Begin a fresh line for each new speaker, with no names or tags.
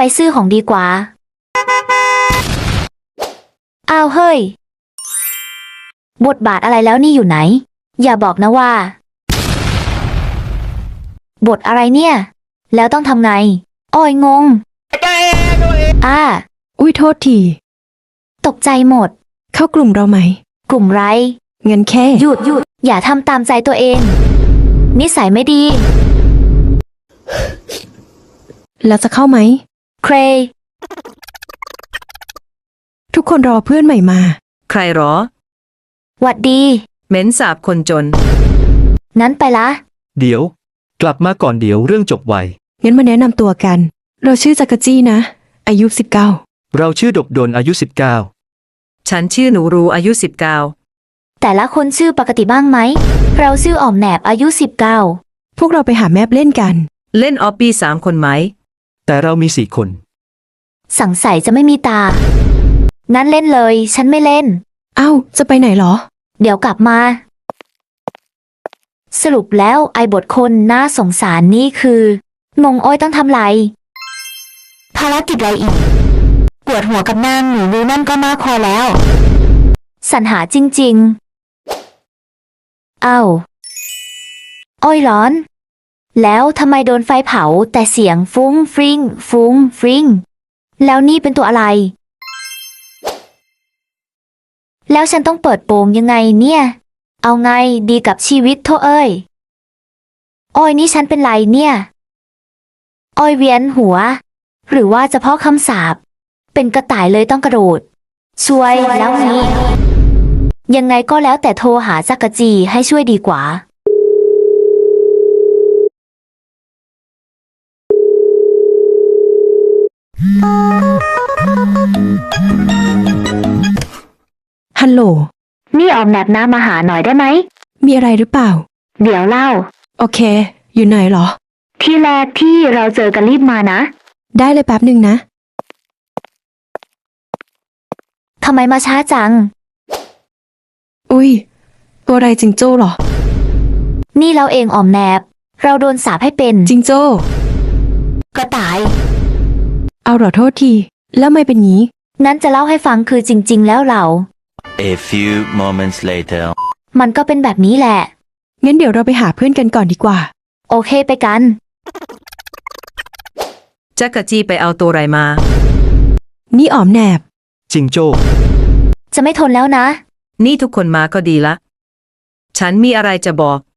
ซื้อของดีกว่าอ้าวเฮ้ยบทบาทอะไรแล้วนี่อยู่ไหนอย่าบอกนะว่าบทอะไรเนี่ยแล้วต้องทำไงอ้อยงง
อุ้ยโทษที
ตกใจหมด
เข้ากลุ่มเราไหม
กลุ่มไร
เงินแค่
หยุดอย่าทำตามใจตัวเองนิสัยไม่ดี
แล้วจะเข้าไหม
เคร
ทุกคนรอเพื่อนใหม่มา
ใครหรอ
หวัดดี
เหม็นสาบคนจน
นั้นไปละ
เดี๋ยวกลับมาก่อนเดี๋ยวเรื่องจบไว
งั้นมาแนะนำตัวกันเราชื่อจักรจี้นะอายุ19
เราชื่อดบดลอายุ19
ฉันชื่อหนูรูอายุ
แต่ละคนชื่อปกติบ้างไหมเราชื่ออ่อมแหนบอายุ19
พวกเราไปหาแมปเล่นกัน
19เล่นออปปี้3 คนไหม
แต่เรามี4 คน
สังสัยจะไม่มีตางั้นเล่นเลยฉันไม่เล่น
เอ้าจะไปไหนหรอ
เดี๋ยวกลับมาสรุปแล้วไอบทคนน่าสงสารนี่คืองงอ้อยต้องทำไรภารกิจอะไรอีกปวดหัวกับนางหนูรู้นั่นก็มากพอแล้วสรรหาจริงๆอ้อยร้อนแล้วทำไมโดนไฟเผาแต่เสียงฟุ้งฟริ้งฟุ้งฟริ้งแล้วนี่เป็นตัวอะไรแล้วฉันต้องเปิดโปงยังไงเนี่ยเอาไงดีกับชีวิตโธ่เอ้ยอ้อยนี่ฉันเป็นไรเนี่ยอ้อยเวียนหัวหรือว่าจะเพราะคำสาปเป็นกระต่ายเลยต้องกระโดดช่วยแล้วนี้ยังไงก็แล้วแต่โทรหาจักรจีให้ช่วยดีกว่า
ฮัลโหล
นี่ออมแนบน้ามาหาหน่อยได้ไหม
มีอะไรหรือเปล่า
เดี๋ยวเล่า
โอเคอยู่ไหนหรอ
ที่แรกที่เราเจอกันรีบมานะ
ได้เลยแป๊บหนึ่งนะ
ทำไมมาช้าจัง
อุ้ยตัวอะไรจิงโจ้หรอ
นี่เราเองออมแนบเราโดนสาปให้เป็น
จิงโจ้
กระต่าย
เอาหรอโทษทีแล้วไม่เป็นงี้
งั้นจะเล่าให้ฟังคือจริงๆแล้วเรา
A few moments later
มันก็เป็นแบบนี้แหละ
งั้นเดี๋ยวเราไปหาเพื่อนกันก่อนดีกว่า
โอเคไปกัน
จักรจี้ไปเอาตัวไรมา
นี่อ๋อมแหนบ
จิงโจ้
จะไม่ทนแล้วนะ
นี่ทุกคนมาก็ดีละฉันมีอะไรจะบอก